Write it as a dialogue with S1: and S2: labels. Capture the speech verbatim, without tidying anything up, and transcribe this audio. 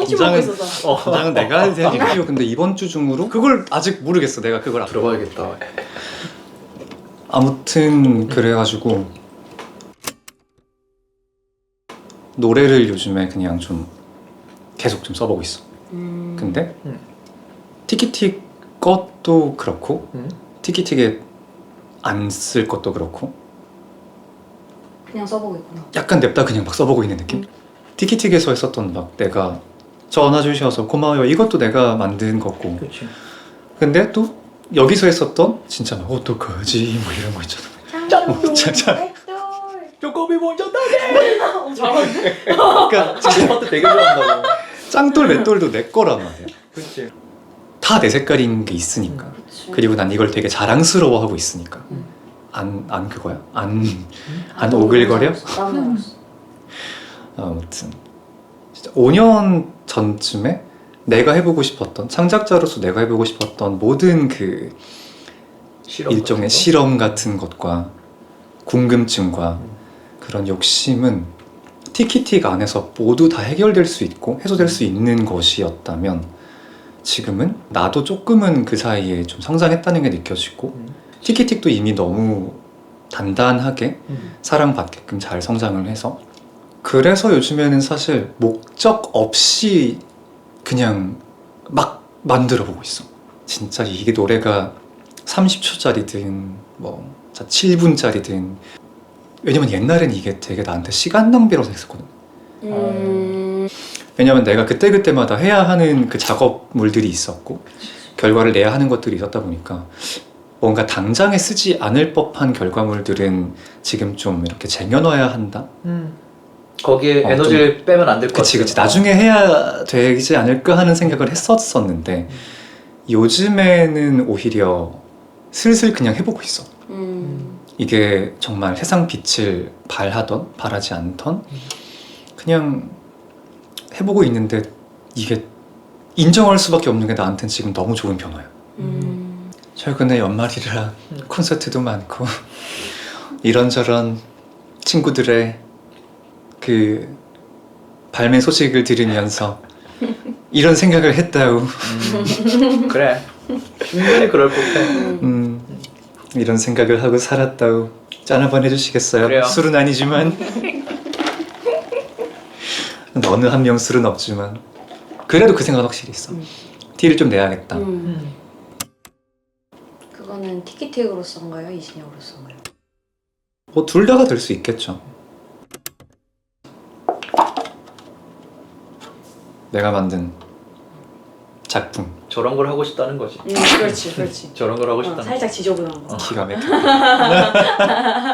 S1: 펀치 먹고 있어서.
S2: 어, 긴장은 내가 할 생각이고 근데 이번 주 중으로 그걸 아직 모르겠어. 내가 그걸
S3: 들어봐야겠다.
S2: 아무튼 그래가지고 노래를 요즘에 그냥 좀 계속 좀 써보고 있어.
S1: 음.
S2: 근데
S3: 음.
S2: 티키틱 것도 그렇고
S3: 음?
S2: 티키틱에 안 쓸 것도 그렇고
S1: 그냥 써보고 있구나.
S2: 약간 냅다 그냥 막 써보고 있는 느낌?
S1: 음.
S2: 티키틱에서 했었던 막 내가 전화 주셔서 고마워요 이것도 내가 만든 거고
S3: 그렇지.
S2: 근데 또 여기서 했었던 진짜 막 어떡하지 뭐 이런 거 있잖아.
S1: 짱짱.
S2: 짱짱.
S3: 쪼꼬미 먼저 따게!
S1: 잘하네.
S2: 그러니까
S3: 그 파트 되게 좋아한다고.
S2: 짱돌 맷돌도 내 거란 말이야.
S3: 그렇지.
S2: 다 내 색깔인 게 있으니까.
S1: 그치.
S2: 그리고 난 이걸 되게 자랑스러워하고 있으니까.
S1: 음.
S2: 안, 안 그거야? 안, 안 오글거려?
S1: 땀 나왔어.
S2: 아무튼 진짜 오 년 전쯤에 내가 해보고 싶었던 창작자로서 내가 해보고 싶었던 모든 그
S3: 실험
S2: 일종의
S3: 같은 거?
S2: 실험 같은 것과 궁금증과
S3: 음.
S2: 그런 욕심은 티키틱 안에서 모두 다 해결될 수 있고 해소될 수 있는 것이었다면 지금은 나도 조금은 그 사이에 좀 성장했다는 게 느껴지고
S3: 음.
S2: 티키틱도 이미 너무 단단하게
S3: 음.
S2: 사랑받게끔 잘 성장을 해서 그래서 요즘에는 사실 목적 없이 그냥 막 만들어 보고 있어. 진짜 이게 노래가 삼십 초짜리든 뭐 칠 분짜리든 왜냐면 옛날엔 이게 되게 나한테 시간 낭비라고 생각했거든.
S1: 음.
S2: 왜냐면 내가 그때그때마다 해야 하는 그 작업물들이 있었고 결과를 내야 하는 것들이 있었다 보니까 뭔가 당장에 쓰지 않을 법한 결과물들은 지금 좀 이렇게 쟁여놔야 한다?
S3: 음. 거기에
S2: 어,
S3: 에너지를 빼면 안 될 것 같아.
S2: 그치 그치 나중에 해야 되지 않을까 하는 생각을 했었었는데 요즘에는 오히려 슬슬 그냥 해보고 있어.
S1: 음.
S2: 이게 정말 세상 빛을 발하던 발하지 않던 그냥 해보고 있는데 이게 인정할 수밖에 없는 게 나한테는 지금 너무 좋은 변화야.
S1: 음.
S2: 최근에 연말이라
S3: 음.
S2: 콘서트도 많고 이런저런 친구들의 그 발매 소식을 들으면서 이런 생각을 했다우.
S3: 음. 그래. 충분히 그럴 법해.
S2: 음, 이런 생각을 하고 살았다우. 짠 한번 해주시겠어요?
S3: 그래요.
S2: 술은 아니지만 어느 한 명 술은 없지만 그래도 그 생각은 확실히 있어.
S1: 음.
S2: 티를 좀 내야겠다.
S1: 음.
S3: 음.
S1: 그거는 티키틱으로서인가요? 이신혁으로서인가요?
S2: 뭐 둘 다가 될 수 있겠죠. 내가 만든 작품
S3: 저런 걸 하고 싶다는 거지.
S1: 음, 그렇지, 그렇지.
S3: 저런 걸 하고
S1: 어,
S3: 싶다는
S1: 살짝 지저분한 거.
S3: 어.
S2: 기가 막혀.